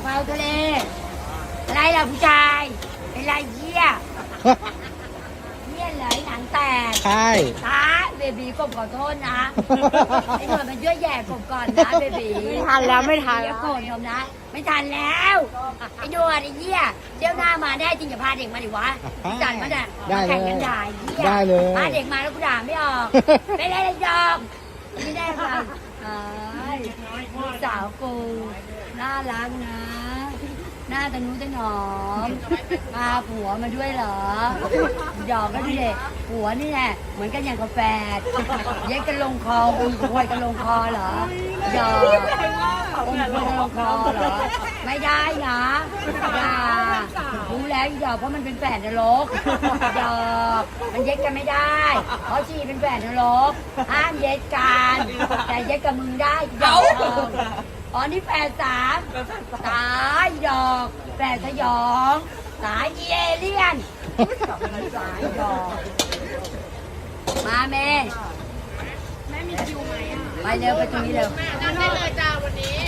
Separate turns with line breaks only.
ะเพราทะเลอะไรล่ะผู้ชายเป็นไรเหี้ยเนี่ยเลยหนังแตก
ใช่
ตาเบบีกบขอโทษนะไอ้หน่วยมันช่วยแย่กบก่อนนะเบบี
ไม่ทันแล้วไม่ทัน
อย่าโกรธผมนะ ไม่ทันแล้วไอ้หน่วยไอ้เหี้ยเดี๋ยวหน้ามาได้จริงอย่าพาเด็กมาดิวะจัดมาเนี่ย
ได้
มา
เล
แข่ง
ย
กันด่าไอ้เหี้ย
ได้เลย
พาเด็กมาแล้วกูด่าไม่ออกไม่ได้เลยยอมไม่ได้ค่ะลูกสาวกูน่ารักนะ หน้าตะนุตะหนอมพาผัวมาด้วยเหรอหยอกก็ดูเด็กผัวนี่แหละเหมือนกันอย่างกาแฟเย็ดกันลงคอคุยควยกันลงคอเหรอหยอกคุยกันลงคอเหรอไม่ได้นะอย่ารู้แล้วหยอกเพราะมันเป็นแฝดนรกหยอกมันเย็ดกันไม่ได้เพราะชีเป็นแฝดนรกห้ามเย็ดกันแต่เย็ดกับมึงได้หยอกอ๋อนี่แฝดสามตายดอกแฝดสยองสายเอเลี่ยนสายดอกมาแม่มีคิวไหมอ่ะไปเร็วไปตรงนี้เร็ว
นั่งได้เลยจ้าวันนี้